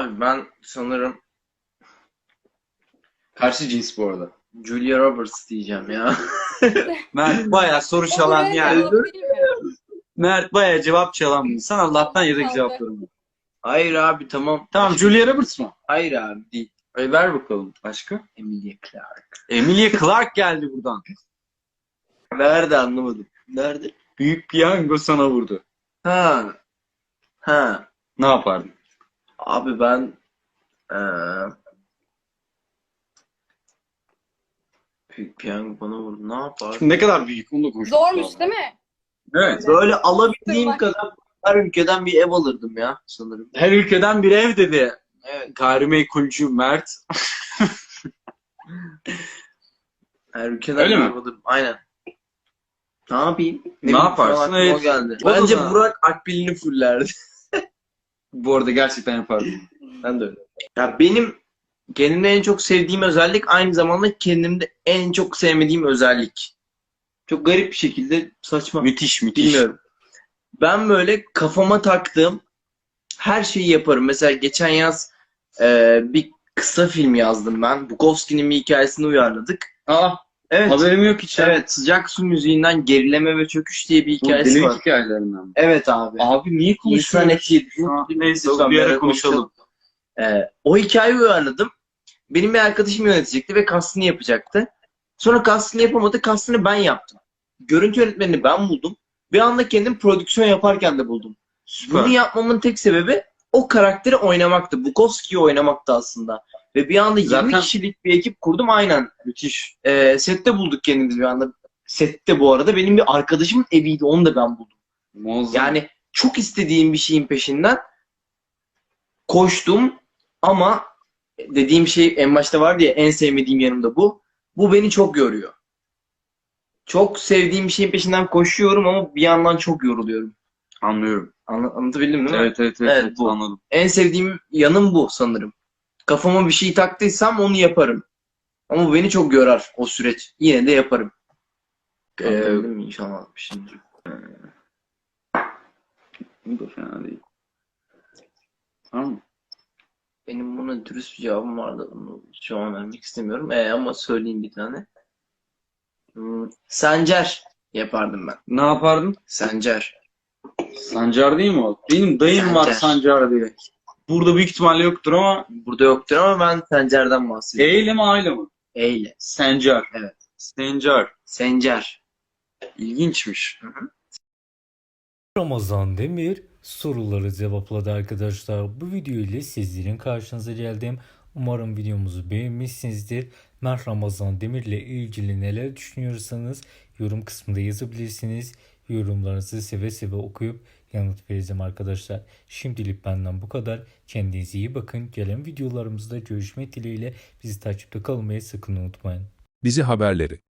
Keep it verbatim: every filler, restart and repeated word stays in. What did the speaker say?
Abi ben sanırım Karşı cins bu arada. Julia Roberts diyeceğim ya. Mert bayağı soru O çalan buraya yani. cevap değil mi? Mert bayağı cevap çalan bir insan. Allah'tan yedek Kaldı. cevaplarım var. Hayır abi tamam. Tamam, Julia Roberts mı? Hayır abi değil. E, ver bakalım. Başka? Emilia Clarke. Emilia Clarke geldi buradan. Nerede anlamadım. Nerede? Büyük piyango sana vurdu. Ha. Ha. Ne yapardın? Abi ben eee Büyük piyango bana vurdu. Ne yapar? Ne kadar büyük onu da konuştuk. Zormuş değil mi? Evet. Böyle alabildiğim Tırnak. kadar her ülkeden bir ev alırdım ya sanırım. Her ülkeden bir ev dedi. Evet. Gayrimenkulcü Mert. Her ülkeden Öyle bir mi? ev alırdım. Aynen. Ne yapayım? Ne bileyim, yaparsın? şu an aklıma Evet. o geldi. O da Bence sana- Burak Akbil'ini fullerdi. Bu arada gerçekten yapardım. Ben de öyle. Ya benim kendimde en çok sevdiğim özellik aynı zamanda kendimde en çok sevmediğim özellik. Çok garip bir şekilde saçma. Müthiş müthiş. Bilmiyorum. Ben böyle kafama taktığım her şeyi yaparım. Mesela geçen yaz e, bir kısa film yazdım ben. Bukowski'nin bir hikayesini uyarladık. Aa, Evet. haberim yok hiç. ya. Evet. Sıcak su müziğinden gerileme ve çöküş diye bir Bu hikayesi deli var. hikayelerinden mi? Evet abi. Abi niye İnsan konuşuyoruz? eti yedi. Ha, neyse Lütfen bir bir ara ara konuşalım. Ee, o hikayeyi uyarladım. Benim bir arkadaşım yönetecekti ve kastını yapacaktı. Sonra kastını yapamadı. Kastını ben yaptım. Görüntü yönetmenini ben buldum. Bir anda kendim prodüksiyon yaparken de buldum. Süper. Bunu yapmamın tek sebebi o karakteri oynamaktı. Bukowski'yi oynamaktı aslında. Ve bir anda yirmi Zaten- kişilik bir ekip kurdum aynen. Müthiş. Ee, sette bulduk kendimizi bir anda. Sette bu arada benim bir arkadaşımın eviydi. Onu da ben buldum. Muazzam. Yani çok istediğim bir şeyin peşinden koştum ama dediğim şey en başta vardı ya, en sevmediğim yanımda bu. Bu beni çok yoruyor. Çok sevdiğim bir şeyin peşinden koşuyorum ama bir yandan çok yoruluyorum. Anlıyorum. Anla- anlatabildim değil mi? Evet evet evet, Evet, evet, bu. anladım. En sevdiğim yanım bu sanırım. Kafama bir şey taktıysam onu yaparım. Ama bu beni çok yorar o süreç. Yine de yaparım. Anlatabildim mi? İnşallah anlatmışımdır. Bu da fena değil. Tamam mı? Benim buna dürüst bir cevabım vardı. Bunu şu an vermek istemiyorum. E, ama söyleyeyim bir tane. Hmm, Sencer yapardım ben. Ne yapardın? Sencer. Sancar değil mi o? Benim dayım var Sancar. Sancar diye. Burada büyük ihtimalle yoktur ama Burada yoktur ama ben Sencer'den bahsediyorum. E ile mi A ile mi? Eyle. Sencar. Evet. Sencar. Sencer. İlginçmiş. Ramazan Demir soruları cevapladı arkadaşlar. Bu video ile sizlerin karşınıza geldim. Umarım videomuzu beğenmişsinizdir. Mert Ramazan Demir ile ilgili neler düşünüyorsanız yorum kısmında yazabilirsiniz. Yorumlarınızı seve seve okuyup yanıt vereceğim arkadaşlar. Şimdilik benden bu kadar. Kendinize iyi bakın. Gelen videolarımızda görüşmek dileğiyle bizi takipte kalmayı sakın unutmayın. Dizi haberleri